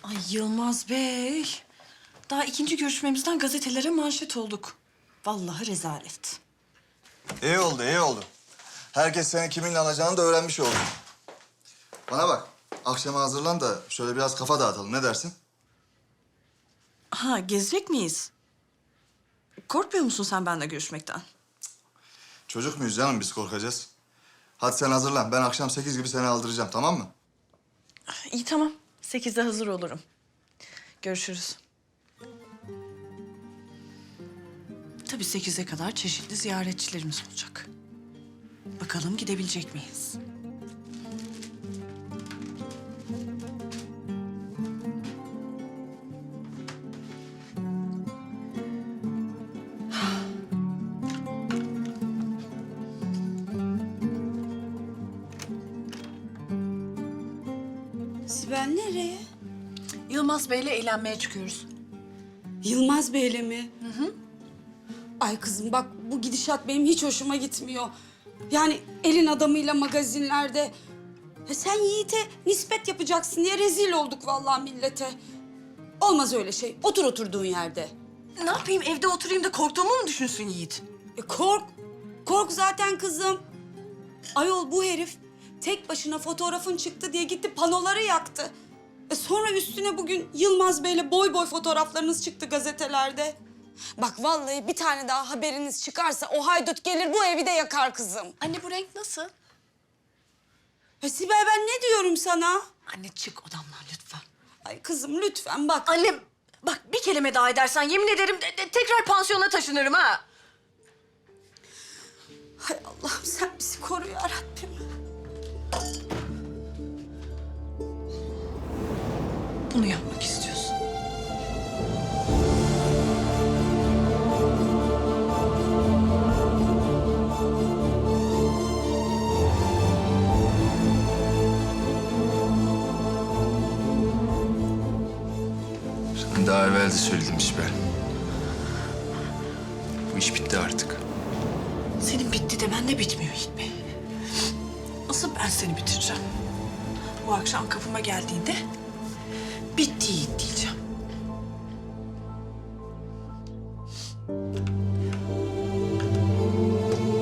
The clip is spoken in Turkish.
Ay Yılmaz Bey. Daha ikinci görüşmemizden gazetelere manşet olduk. Vallahi rezalet. İyi oldu, iyi oldu. Herkes seni kiminle alacağını da öğrenmiş oldu. Bana bak, akşama hazırlan da şöyle biraz kafa dağıtalım. Ne dersin? Ha, gezecek miyiz? Korkmuyor musun sen benimle görüşmekten? Çocuk muyuz canım, biz korkacağız. Hadi sen hazırlan. Ben akşam 8 gibi seni aldıracağım, tamam mı? İyi tamam. 8'de hazır olurum. Görüşürüz. Tabii 8'e kadar çeşitli ziyaretçilerimiz olacak. Bakalım gidebilecek miyiz? Sibel nereye? Yılmaz Bey'le eğlenmeye çıkıyoruz. Yılmaz Bey'le mi? Ay kızım bak bu gidişat benim hiç hoşuma gitmiyor. Yani elin adamıyla magazinlerde. Ya sen Yiğit'e nispet yapacaksın diye rezil olduk vallahi millete. Olmaz öyle şey. Otur oturduğun yerde. Ne yapayım evde oturayım da korktuğumu mu düşünsün Yiğit? Kork. Kork zaten kızım. Ayol bu herif tek başına fotoğrafın çıktı diye gitti panoları yaktı. Sonra üstüne bugün Yılmaz Bey'le boy boy fotoğraflarınız çıktı gazetelerde. Bak vallahi bir tane daha haberiniz çıkarsa o haydut gelir bu evi de yakar kızım. Anne bu renk nasıl? Sibel ben ne diyorum sana? Anne çık odamdan lütfen. Ay kızım lütfen bak. Annem bak bir kelime daha edersen yemin ederim tekrar pansiyona taşınırım ha. Hay Allah'ım sen bizi koru ya Rabbim. Bunu yapmak istiyorsun. Sen daha evvel de söyledim Sibel. Bu iş bitti artık. Senin bitti de bende bitmiyor Yiğit Bey. Asıl ben seni bitireceğim. Bu akşam kapıma geldiğinde bitti Yiğit diyeceğim.